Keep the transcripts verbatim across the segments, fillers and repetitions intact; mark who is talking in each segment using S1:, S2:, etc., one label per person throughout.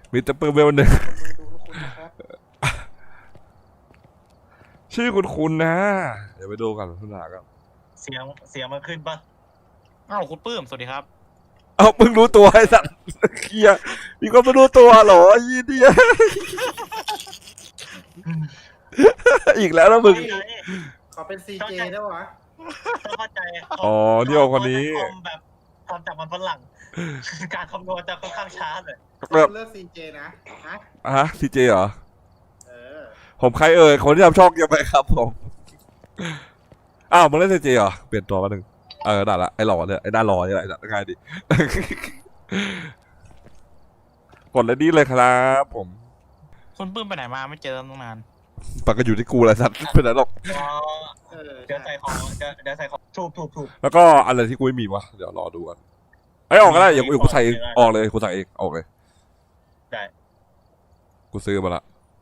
S1: มีแต่ปืนเวลหนึ่งชื่อคุณคุณนะเดี๋ยวไปดูกันทุนหากัน
S2: เสียงเสียงมันขึ้นปะ
S3: อ้าวคุณปื้มสวัสดีครับ
S1: เอาเพิ่งรู้ตัวไอ้สัตว์เคียมีคนไม่รู้ตัวเหรอยี่เดียอีกแล้วนะมึง
S4: เขาเป็นซีเจได้วะ
S2: ต้องเข้าใจ
S1: อ๋อเดี๋ยวคนนี้
S2: แบบทำจากมันฝรั่งการคำนวณจะค่อนข้างช้าเลย
S4: เลือกซีเจนะฮะ
S1: ฮะซีเจเหรอ
S4: เออ
S1: ผมใครเอ่ยคนที่ทำช่องยังไงครับผมอ้าวมึงเล่นซีเจเหรอเปลี่ยนตัวมาหนึ่งเออได้ละไอ้หล่อเนี่ยไอ้ด้านหล่อนี่แหละง่ายดิกดเลยดีเลยครับผม
S3: คุณปื้มไปไหนมาไม่เจอตั้งนาน
S1: ปากก็อยู่ที่กูแหละสัตว์เป็นไรหรอก
S2: เดี๋ยวใส่ของเดี๋ยวใส่ของถูกถูกถูก
S1: แล้วก็อะไรที่กูไม่มีวะเดี๋ยวรอดูกันไอ้ออกก็ได้อย่างกูใส่ออกเลยกูใส่เองออกเลย
S2: ได้
S1: กูซื้อมาละ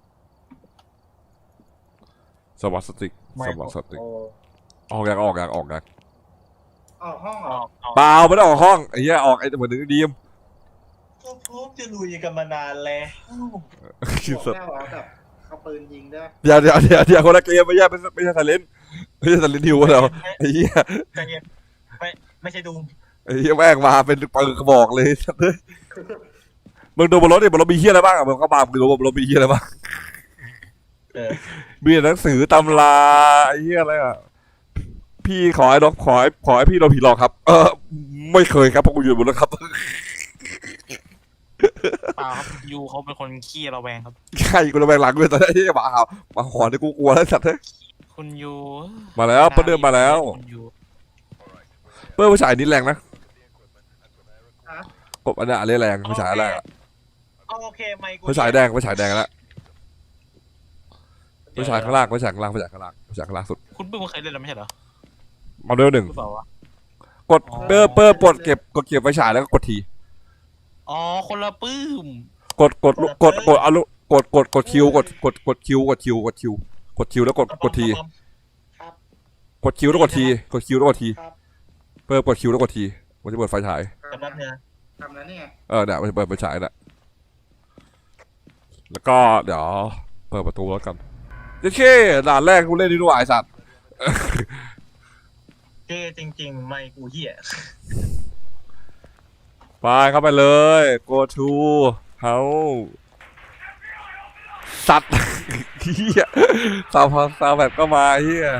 S1: สวัสดิสวัสดิออกอยากออกอยากออกอยาก
S4: ออกห้องออก
S1: เปล่าไม่ได้ออกห้องไอ้เหี้ยออกไอ้เหมือนดีม
S2: ก็พร้อมจะลุยกันมานานแล้ว
S4: บอกแค่ว่าแบบเอาปืนยิงได้
S1: เดี๋ยวเดี๋ยวเดี๋ยวเดี๋ยวคนละเกมไม่ใช่ไม่ไม่ใช่ทาเลนไม่ใช่ทาเลนฮิวเราไอ้เหี้ย
S2: ไม่ไม่ใช่ดู
S1: ไอ้เหี้ยแม่งมาเป็นปืนกระบอกเลยมึงดูบนรถดิบนรถมีเหี้ยอะไรบ้างอ่ะมึงก็มามึงดูบนรถมีเหี้ยอะไรบ้างมีหนังสือตำราไอ้เหี้ยอะไรอ่ะพี่ขอให้ดอกขอให้ขอให้พี่โดนผีหลอกครับเออไม่เคยครับเพราะกูอยู่บนรถครับ
S3: เปล่าครับยูเขาเป็นคนขี้ระแวงครับ
S1: ใช่กูระแวงหลังด้วยตอนนี้มาเอามาขอที่กูกลัวแล้วสัตว์
S3: คุณยู
S1: มาแล้วเปิ้ลเดินมาแล้วเปิ้ลผู้ชายนี้แรงนะกบอันนี้อะไรแรงผู้ชายแรง
S2: โอเคไม่กู
S1: ผู้ชายแดงผู้ชายแดงแล้วผู้ชายข้างล่างผู้ชายข้างล่างผู้ชายข้างล่างผู้ชายข้างล่างสุด
S3: คุณปื้มเคยเล่นแล้วไม่ใช่เหรอ
S1: มาเร็วหนึ่งกดเปิ้ลเปิ้ลกดเก็บกดเก็บไฟฉายแล้วก็กดที
S3: อ๋อคนละปื้ม
S1: กดกดกดกดเอาลุกดกดกดคิวกดกดกดคิวกดคิวกดคิวกดคิวแล้วกดกดทีกดคิวแล้วกดทีกดคิวแล้วกดทีเปิดกดคิวแล้วกดทีมันจะเปิดไฟฉาย
S4: ทำนั้นเนี่ยทำนั้นเนี่ย
S1: เออเนี่ยมันจะเปิดไฟฉายน่ะแล้วก็เดี๋ยวเปิดประตูแล้วกันเจ๊เช่ด่านแรกกูเล่นนี่ด้วยไอ้สัตว์
S2: เจ๊จริงๆไม่กูเหี้ย
S1: ไปเข้าไปเลย go to house สัตว์เฮียซาวซาวแบบก็มาเฮีย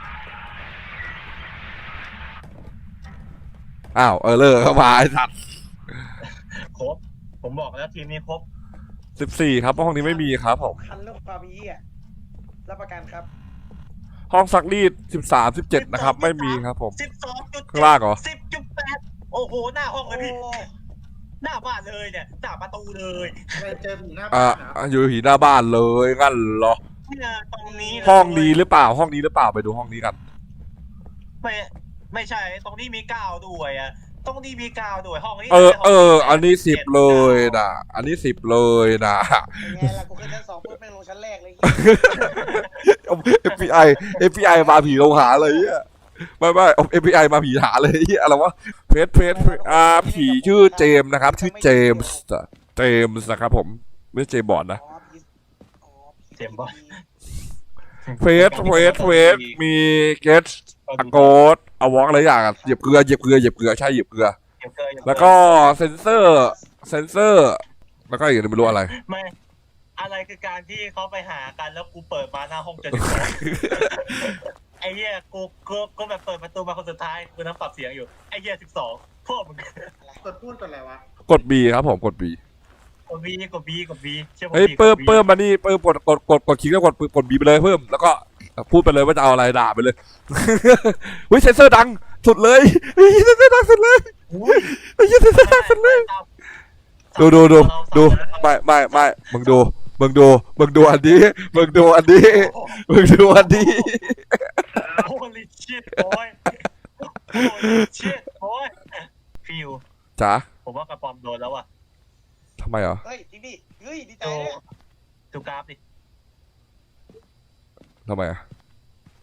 S1: อ้าวเออเลิกเข้ามาไอ้สัตว์
S2: ครบผมบอกแล้วทีมนี้ครบ
S1: สิบสี่ครับห้องนี้ไม่มีครับผม
S4: คันเรื่องความเฮียรับประกันครับ
S1: ห้องซักรีดสิบสามสิบเจ็ดนะครับไม่มีครับผม
S2: สิบสองจุด
S1: ข้างล่างเหรอ
S2: สิบจุดแปดโอ้โหหน้าห้องเลยพี่หน้าบ้านเลยเนี่ยหน้าประตูเลย
S4: เจอผีหน้าบ้าน
S1: อ่ะอยู่ผีหน้าบ้านเลยงั้นเหรอ
S2: ตรงนี้
S1: ห้องนี้หรือเปล่าห้องนี้หรือเปล่าไปดูห้องนี้กัน
S2: ไม่ไม่ใช่ตรงนี้มีก้าวด้วยอ่ะตรงนี้มีก้าวด้วยห้องนี้
S1: เออเอออันนี้สิบเลยนะอันนี้สิบเลยนะ
S4: ไงล่ะกูขึ้นชั้นสองเพื่อไม่ลงชั้นแรกเลย
S1: เอฟ บี ไอ เอฟ บี ไอ มาผีลงหาเลยอ่ะไม่ไม่เอฟ บี ไอ มาผีหาเลยอะไรวะเพจเพจอ่าผีชื่อเจมส์นะครับชื่อเจมส์เจมส์นะครับผมไม่ใช่เจมส์บอนด์นะ
S2: เจมส์บอนด์
S1: เฟสเฟสเฟสมีเกตอะโกดเอาวอล์กอะไรอย่างเหยียบเกลือเหยียบเกลือเหยียบเกลือใช่เหยียบเกลือแล้วก็เซนเซอร์เซนเซอร์แล้วก็อีกไม่รู้อะไร
S2: ไม่อะไรคือการที่เขาไปหากันแล้วกูเปิดมาหน้าห้องเจอสิบสองไอ้เหี้ยกูกูกูแบบเปิดประตูมาคนสุดท้ายกูนั่งปรับเสียงอยู่ไอ้เหี้ยสิบสองพวกมึง
S4: กดพูดกดอะไรวะ
S1: กด B ครับผมกด B
S2: กด B กด B กด B
S1: เฮ้ยเพิ่มเพิ่มมานี่เพิ่มกดกดกดกดคลิกแล้วกดกด B ไปเลยเพิ่มแล้วก็พูดไปเลยว่าจะเอาอะไรด่าไปเลยเฮ้ยเซนเซอร์ดังสุดเลยเฮ้ยเซนเซอร์ดังสุดเลยเฮ้ยเซนเซอร์ดังสุดเลยดูดูดูดูไม่ไม่ไม่มึงดูมึงดูมึงดูอันนี้มึงดูอันนี้มึงดูอันนี้
S2: โอ้ลิชิตโอ้ยโอ้ลิชิตโอ้ยฟิว
S1: จ๋า
S2: ผมว่ากระป๋อมโดนแล้วอ่ะ
S1: ทำไมเหรอ
S4: เฮ้ยจริงดิเฮ้ยดีใจเลย
S2: ดูกราฟดิ
S1: ทำไมอ่ะ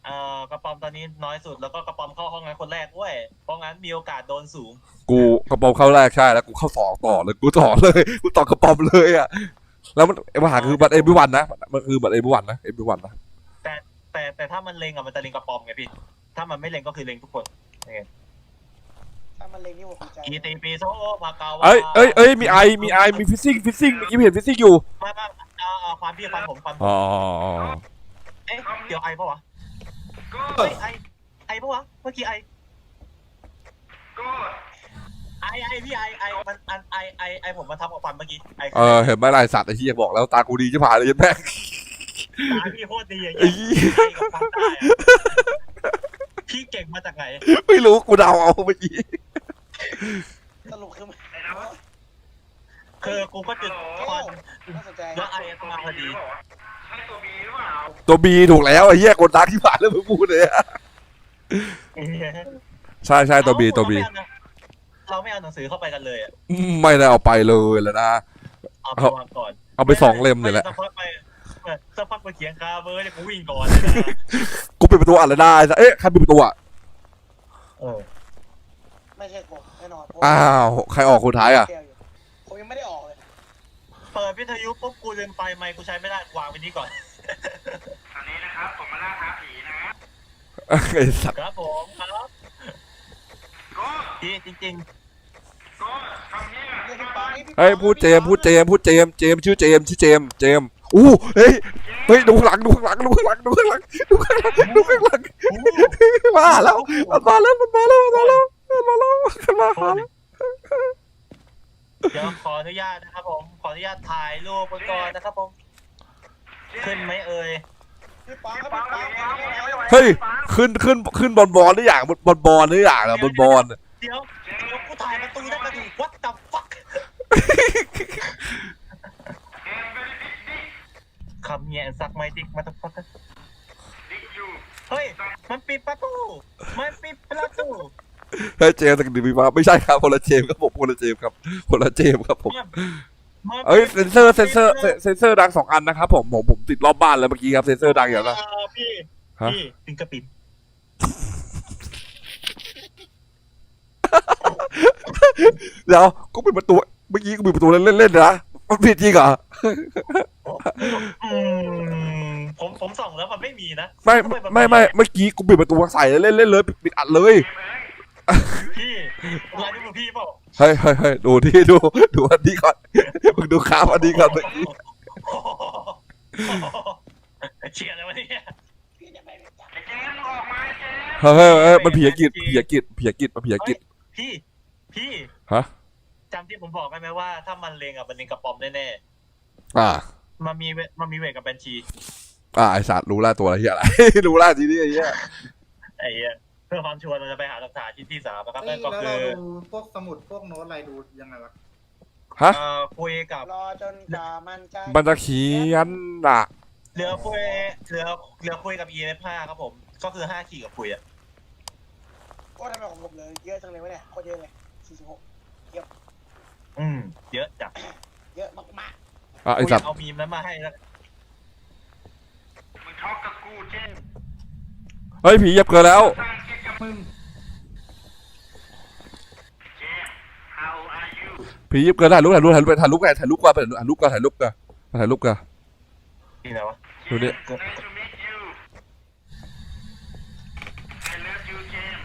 S2: เอ่อกระป๋อมตอนนี้น้อยสุดแล้วก็กระป๋อมเข้าห้องนั้นคนแรกเว้ยเพราะงั้นมีโอกาสโดนสูง
S1: กูกระป๋อมเข้าแรกใช่แล้วกูเข้าสองต่อเลยกูต่อเลยกูต่อกระป๋อมเลยอ่ะแล้วมันปัญหาคือบัตรเอ็มบีวันนะมันคือบัตรเอ็มบีวันนะเอ็มบีวันนะ
S2: แต่แต่แต่ถ้ามันเล็งอะมันจะเล็งกระป๋อมไงพี่ถ้ามันไม่เล็งก็คือเล็งทุกคน
S4: ถ้ามันเล็งนี่ผมใจ
S2: อีตีปีโซพากาวา
S1: เอ้ยเอ้ยเอ้ยมีไอมีไอมีฟิซซิ่งฟิซซิ่งเมื่อกี้เห็นฟิซซิ่งอยู่
S2: มามาเอาเอาความพี่ความผมความผม
S1: อ๋อ
S2: เอ๊ะเดี๋ยวไอปะวะเฮ้ยไอไอปะวะเมื่อกี้ไอไอไอพี่ไอไอมันอันไอไอไอผมมาทับกับฟันเมื่อกี้ไอ
S1: เออเห็นไหมลายสัตว์ไอ้เหี้ยบอกแล้วตากูดีจะผ่านเลยแม่ง
S2: ตาพี่โคตรดีอย่าง
S1: ไอ้
S2: เงี้ย
S1: เหี้ย
S2: ไอกับฟันได้อะพี่เก่งมาจากไหน
S1: ไม่รู้กูเดาเอาเมื่อกี้
S4: สรุปคือ
S2: คือกูก็จุดควัน
S4: น่าสนใจ
S2: แล้วไอก็มาพอดี
S1: ตัวบีถูกแล้วไอ้เหี้ยคนตาที่ผ่านแล้วมึงพูดเลยอะใช่ใช่ตัวบีตัวบี
S2: เราไม่เอาหนังสือเข้าไปกันเลยอ่ะ
S1: ไม่ได้เอาไปเลยแล้วนะ
S2: เอาไปวางก่อน
S1: เอาไปสองเล่มเนี่ยแหละ
S2: สักพักไปสักพักไปเขียนคาเบอร์เนี่ยกูวิ่งก่อนเลยนะ
S1: กูปิดประตูอ่านเลยได้เอ๊ะใครปิดประตูอ่ะ
S2: เออ
S4: ไม่ใช่ผมแน่นอน
S1: อ้าวใครออกคนท้ายอ่ะ
S4: ผมยังไม่ได้ออกเลย
S2: เปิดวิทยุปุ๊บกูลืมไปไมค์กูใช้ไม่ได้วางไว้นี่ก่อน
S5: อันนี้นะครับผมมาล่าท้าผีนะ
S1: ไอ้สัตว์
S2: ครับผมครับ
S5: ก็
S2: พี่จริง
S5: ก็คำนี้
S4: เรียกพี่ปัง
S1: เฮ้ยพูดเจมส์พูดเจมส์พูดเจมส์เจมส์ชื่อเจมส์ชื่อเจมส์เจมส์อู้เฮ้ยเฮ้ยดูข้างหลังดูข้างหลังดูข้างหลังดูข้างหลังดูข้างหลังดูข้างหลัง
S2: ๆอู้
S1: มาแล้วมันมาแล้วมันมาแล้วมันมาแล้วมันมาแล้วมันมาหาแล้ว
S2: เดี๋ยวขออนุญาตนะครับผมขออนุญาตถ่ายรูปไว้ก่อนนะครับผมขึ้นไหมเอ่ย
S4: พี่ปังครับพี่ปัง
S1: เฮ้ยขึ้นขึ้นขึ้นบอลบอลหรืออย่างบอลบอลหรืออย่างอะบอลบอล
S2: เดี๋ยวเดี๋ยวกูถ่ายประตูได้กระดูก what the fuck คำเนี้ยสักไม่ดิกมาตะฟักเฮ้ยมันปิดประตูมันปิดประตู
S1: เฮ้ยเจมส์จากดิบีมาไม่ใช่ครับคนละเจมส์ครับผมคนละเจมส์ครับคนละเจมส์ครับผม
S2: มัน
S1: เอ้ยเซนเซอร์เซนเซอร์เซนเซอร์ดังสองอันนะครับผมผมผมติดรอบบ้านแล้วเมื่อกี้ครับเซนเซอร์ดังอย่างละ
S2: เพี่
S1: ฮะ
S2: พี่ปิงกระปิด
S1: เดี๋ยวก็ปิดประตูเมื่อกี้ก็ปิดประตูเล่นเล่นๆนะมันผิดจริงเหรอ
S2: อืมผมผมส่องแล้วมันไม่มีนะ
S1: ไม่ไม่ไม่เมื่อกี้กูปิดประตูใส่เล่นเล่นเลยปิดอัดเลย
S2: พี่ลายนิ้วมือพี่เปล่า
S1: เฮ้ยเฮ้ยเฮ้ยดูที่ดูดูอันนี้ก่อนมึงดูข้ามอันนี้ก่อนเมื่อกี้
S2: เชียร์อะไรวะเนี่ย
S4: พี่จะไปไม่จับ
S5: เจมส์ออกมาเจมส์
S1: เฮ้ยเฮ้ยเฮ้ยมันผีกิจผีกิจผีกิจมันผีกิจ
S2: พี่พี่
S1: ฮะ
S2: จำที่ผมบอกได้ไหมว่าถ้ามันเลงอ่ะมันเลงกระป๋อมแน่
S1: อ่า
S2: ๆมันมีเวมันมีเวทกับบัญชี
S1: อ่าไอสัตว์รู้แล้วตัวอะไรเหี้ยอะไร รู้แล้วทีนี้ไอ้เหี้ย
S2: ไอ้เหี้ยเพื่อความชัวร์เราจะไปหาหลักฐานชิ้นที่สามนะครับ
S4: แล้
S2: นั่นก็
S4: ว
S2: คื
S4: เรา
S2: อ
S4: ดูพวกสมุดพวกโน้ตอะไรดูยังไงวะ
S1: ฮะ
S2: เอ่อคุยกับ
S4: รอจนกว่ามันจะ
S1: มันจะเขียนอ่ะ
S2: เหลือคุยเหลือเหลือคุยกับ อี เอฟ ห้าครับผม ก็คือห้าขีดกับคุยอ่ะ
S4: โอ้ทำไมของผมเลยเยอะจังเลยวะเนี่ยโคตรเยอะเลยสี่สิบหก
S2: อืมเยอะจัด
S4: เยอะมาก
S1: อ่ะไอสัตว์
S2: เอามีมนั้นมาให้แล้ว
S5: มึงช็อกกับกูเจมส์
S1: เฮ้ยผีเหยียบเกินแล้ว
S5: สร้างเกมกับมึงเจมส์ how are you
S1: ผีเหยียบเกินถ่ายรูปถ่ายรูปถ่ายรูปถ่ายรูปกันถ่ายรูปกันถ่ายรูปกันถ่ายรูปกันถ่ายรูปกัน
S2: นี่ไหนวะ
S1: ดูดิ
S5: nice to meet you I love you เจมส์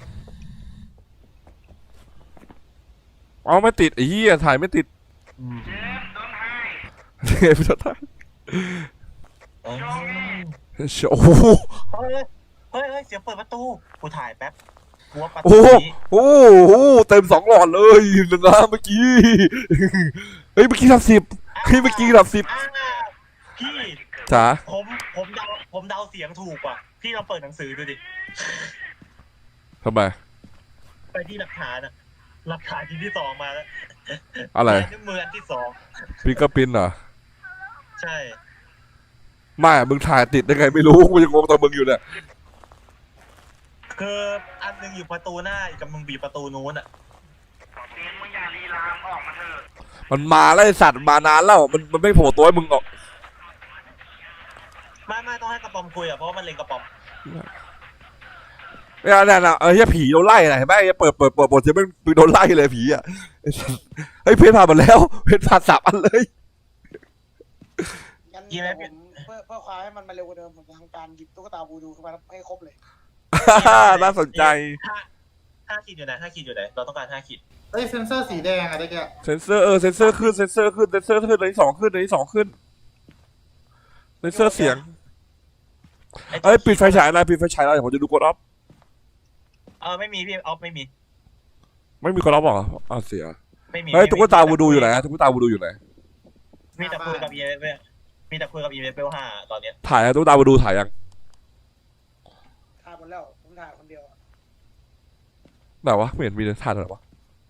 S1: อ๋อไม่ติดไอ้เหี้ยถ่ายไม่ติด
S2: อืม
S5: เจมส์ don't hide
S1: เฮ้ยพี่ถ่าย
S2: อืม
S1: โอ้โห
S2: เฮ้ยเฮ้ยเฮ้ยเสียงเปิดประตูกูถ่ายแป๊บกูว่าประตู
S1: โอ้โห
S2: นี้
S1: โอ้โหเต็มสองหลอดเลยนะเมื่อกี้เฮ้ยเมื่อกี้ทำสิบเฮ้ยเมื่อกี้ทำสิบ
S2: อ่าพี่
S1: จ๋า
S2: ผมผมเดาผมเดาเสียงถูกว่ะพี่ลองเปิดหนังสือดูดิ
S1: ทำไม
S2: ไปที่หลักฐานอะหลักฐานชิ้นที่สองมาแล้ว
S1: อะไร
S2: ลายนิ้วมืออันที่สอง
S1: พิงเกอร์ปินเหรอ
S2: ใช่
S1: ไม่มึงถ่ายติดได้ไงไม่รู้กูยังงงตอนมึงอยู่เนี่ย
S2: คืออันหนึงอยู่ประตูหน้าอีกกับมึงบีบประตูนู้นอะ
S5: เจมส์มึงอย่าลีลามออกมาเถอะ
S1: มันมาแล้วไอ้สัตว์มานานแล้วมันมันไม่โผล่ตัวให้มึงออก
S2: ไม่ไม่ต้องให้กระป๋อมคุยอะเพราะว่ามันเล็งกระป๋อม
S1: เนี่ยเนี่ยนะเออเฮียผีโดนไล่นะเห็นไหมเปิดเปิดเปิดบทเสียงมันโดนไล่เลยผีอ่ะเฮ้ยเพชรผ่านหมดแล้วเพชรผ่านสับอันเลย
S4: งั้นเดี๋ยวผมเพื่อเพื่อความให้มันมาเร็วกว่าเดิมผมจะทำการหยิบตุ๊กตาบูดูขึ้นมาให้ครบเลย
S1: น่าสนใจ
S2: ห้าห้าขีดอยู่ไหนห้าขีดอยู่ไหนเราต้องการห้าขีด
S6: เอ้ยเซนเซอร์สีแดงอะได้แก
S1: เซนเซอร์เออเซนเซอร์ขึ้นเซนเซอร์ขึ้นเซนเซอร์ขึ้นเลยที่สองขึ้นเลยที่สองขึ้นเซนเซอร์เสียงเอ้ยปิดไฟฉายอะไรปิดไฟฉายอะไรผมจะดูกดออฟ
S2: เออไม่มีพี่ออฟไม่มี
S1: ไม่มีกดออฟหรออ้าวเสีย
S2: ไม่มี
S1: เฮ้ยตุ๊กตาวูดูอยู่ไหนตุ๊กตาวูดูอยู่ไหน
S2: มีแต่คุยกับอีเอฟมีแต่คุยกับอีเอฟเบลห้าตอนเนี้ย
S1: ถ่ายตุ๊กตาวูดูถ่ายยัง
S4: ถ่ายหมดแล้วผมถ่ายคนเดียว
S1: ไหนวะไม่เห็นมีเลยถ่ายไหนวะ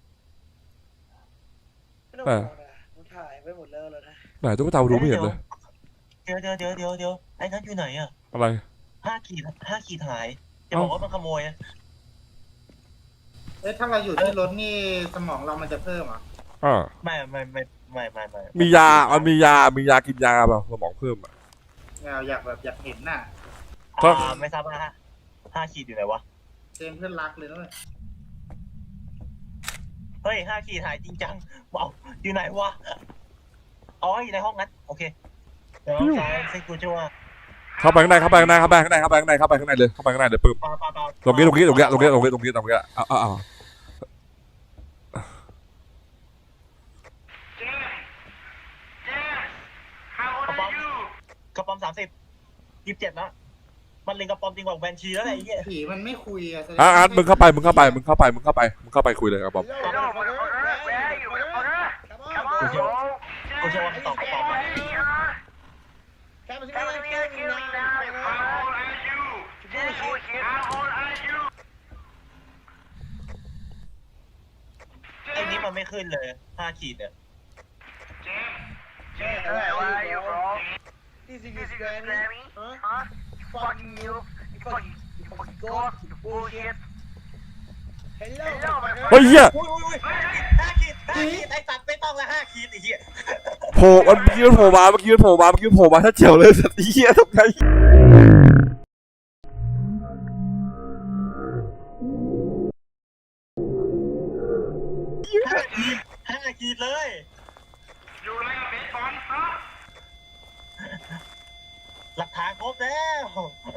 S4: ไม่ต้องห่วงนะผมถ่ายไปหมดแล้วแล้วนะ
S1: ไหนตุ๊กตาวูดูไม่เห็นเลย
S2: เดี๋ยวเดี๋ยวเดี๋ยวเดี๋ยวเดี๋ยวไอ้นั้นอยู่ไหนอะ
S1: อะไร
S2: ห้าขีดห้าขีดหายจะบอกว่ามันขโมยอะ
S6: เอ้ยถ้าเราอยู่ที่รถนี่สมองเรามันจะเพิ่มเหรอ่ะ
S1: อ่า
S2: ไม่ไม่ไม่ไม่ไม่ไม่
S1: มียามันมียามียากินยาแบบสมองเพิ่มอ่ะ
S6: เราอยากแบบอยากเห็นน่ะ
S1: ก็
S2: อ่าไม่ทราบว่าห้าขีดอยู่ไหนวะ
S6: เจมเพื่อนรักเลยนะเว้ย
S2: เฮ้ยห้าขีดหายจริงจังว้าวอยู่ไหนวะอ๋ออยู่ในห้องนั้นโอเคเดี๋ยวใช้ซิกูชัว
S1: เข้าไปข้างในเข้าไปข้างในเข้าไปข้างในเข้าไปข้างในเข้าไปข้างในเลยเข้าไปข้างในเลยปึ๊บ
S2: ปาปาปา
S1: ตรงนี้ตรงนี้ตรงนี้ตรงนี้ตรงนี้ตรงนี้ตรงนี้อ้าวอ้าว
S5: เจมเจม how old are you
S2: กระป๋อมสามสิบยี่สิบเจ็ดแล้วมันเล็งกระป๋อมจริงกว่าแวนชีแล้วไอ้เหี้ย
S6: ผีมันไม่คุยอะแสดง
S1: อ่ะ
S6: ว่า
S1: อ่ะมึงเข้าไปมึงเข้าไปมึงเข้าไปมึงเข้าไปมึงเข้าไปคุยเลยครับบอม
S5: Hello motherfucker where are you motherfucker come on bro
S2: กูเชื่อว่ามันตอบกระป๋อมมา
S4: แค่มาที่
S5: Come
S4: นี่
S5: to me
S4: แค่
S5: and
S4: นี้
S5: kill me now how old are you how old are you
S2: ไอ้นี่มันไม่ขึ้นเลยห้าขีดเนี่ย
S5: เจมเจม where are you bro
S4: This is
S5: This is
S4: Grammy
S5: Grammy huh fucking you fucking fucking god bullshit
S4: Hello
S5: Hello
S1: เฮ้ยเฮีย
S2: อุ้ยอุ้ยอุ้ยห้าขีดห้าขีดไอ้สัตว์ไม่ต้องละห้าขีดไอ้เหี้ย
S1: โผล่มันเมื่อกี้มันโผล่มาเมื่อกี้มันโผล่มาเมื่อกี้มันโผล่มาถ้าเจียวเลยสัตว์เฮียทำไง
S2: ห้าขีดเลย
S5: อยู่ไรกับเบสบอลฮะ
S2: หลักฐานครบแล้ว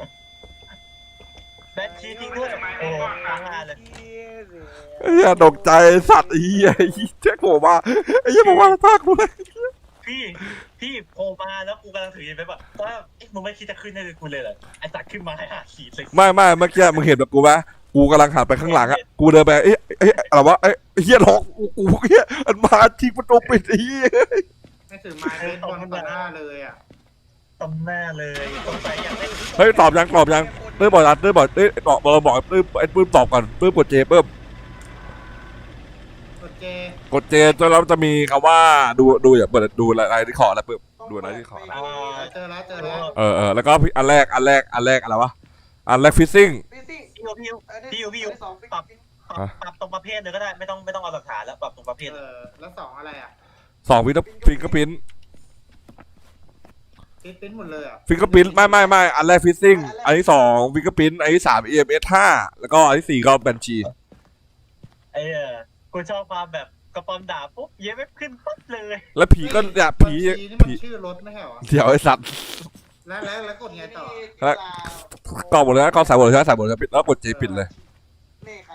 S2: แบนชีจริงด้วยโอ้โหตางานเลย
S1: เฮียตกใจสัตว์เฮียเจ๊โผล่มาไอ้เฮียบอกว่าตากูเลย
S2: พี่พี่โผล่มาแล้วกูกำลังถือยินไปแบบว่าเอ๊ะมึงไม่คิดจะขึ้นให้กูเลยเหรอไอ้สัตว์ขึ้นมาให้ห้าขีดเลย
S1: ไม่ไม่เมื่อกี้มึงเห็นแบบกูไหมกูกำลังหันไปข้างหลังอะกูเดินไปเอ๊ะเอ๊ะอะไรวะเอ๊ะเฮียล็อกกูกูเฮียมันมาทิ้งประตูปิดไอ้เฮีย
S6: ไม่ถือไม้เบสบอลต่อหน้าเลยอ่ะ
S2: ตำหน้าเลยสงสัยอยากได้
S1: เฮ้ยตอบยังตอบยังเต้ยบอกนะเต้ยบอกเต้ยตอบเราบอกเต้ยไอ้ปื้มตอบก่อนปื้มกดเจปื้ม
S6: กดเจ
S1: กดเจจนแล้วจะมีคำว่าดูดูอย่าเปิดดูอะไรที่ขอแล้วปื้มดูอะไรที่ขอ
S2: อ่า
S6: เจอแล้วเจอแล้ว
S1: เออเออแล้วก็อันแรกอันแรกอันแรกอะไรวะอันแรกฟิซซิ่ง
S4: พี่ซิ่ง
S2: พี่ยูพี่ยูพี่ยูพี่ยูปรับปรับปรับตรงประเภทเลยก็ได้ไม่ต้องไม่ต้องเอาหลักฐานแล้วปรับตรงประเภท
S6: เออแล้วสองอะไรอ่ะ
S1: สองฟิงก็ฟิงก็พิ้น
S6: ฟิตปิ้นหมดเลยอ่ะ
S1: ฟิงก็พิ้นไม่ไม่ไม่อันแรกฟิซซิ่งอันที่สองฟิงก็พิ้นอันที่สาม อี เอ็ม เอส ห้าแล้วก็อันที่สี่ก็แบนชี
S2: ไอ้เออกูชอบความแบบกระป๋อมด่าปุ๊บเย้ไม่ขึ้นปั๊บเลย
S1: แล้วผีก็เนี่ยผี
S6: บัญชีนี่มัน
S1: ผี
S6: ชื่อรถไม่ใช่เหรอ
S1: เดี๋ยวไอ้สัตว์
S6: แล้วแล้วแล้วกดไงต่อ
S1: กรอกหมดเลยนะกรอกใส่หมดเลยใช่ไหมใส่หมดเลยปิดแล้วกดเจปิดเลย
S4: นี่ใคร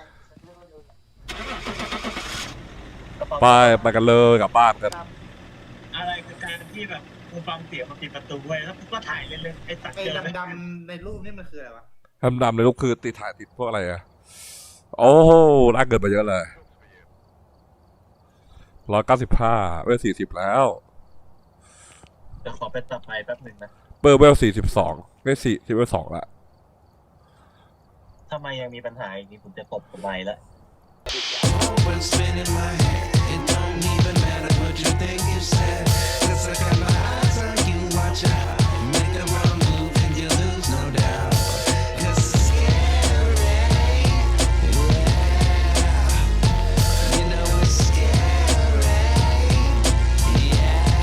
S2: กระป๋อม
S1: ไปไปกันเลยกลับบ้านกัน
S2: อะไรคือการที่แบบกูฟังเสียงมาปิดประตูไว้แล้วกูก็ถ่ายเล่นๆไอ้สัตว์
S6: ไอ้
S2: เจอไหม
S6: ดำๆในรูปนี่มันคืออะไรวะ
S1: ดำดำในรูปคือติดถ่ายติดพวกอะไรอะโอ้โหน่าเกินไปเยอะเลยร้อยเก้าสิบห้าเวลสี่สิบแล้ว
S2: เดี๋ยวขอไปตัดไปแป๊บหนึ่งนะ
S1: เบอร์เวลสี่สิบสองเวลสี่ที่เวลสองละ
S2: ทำไมยังมีปัญหาอย่างนี้ผมจะตบทำไมละ
S7: Always spinning my head. It don't even matter what you think you said.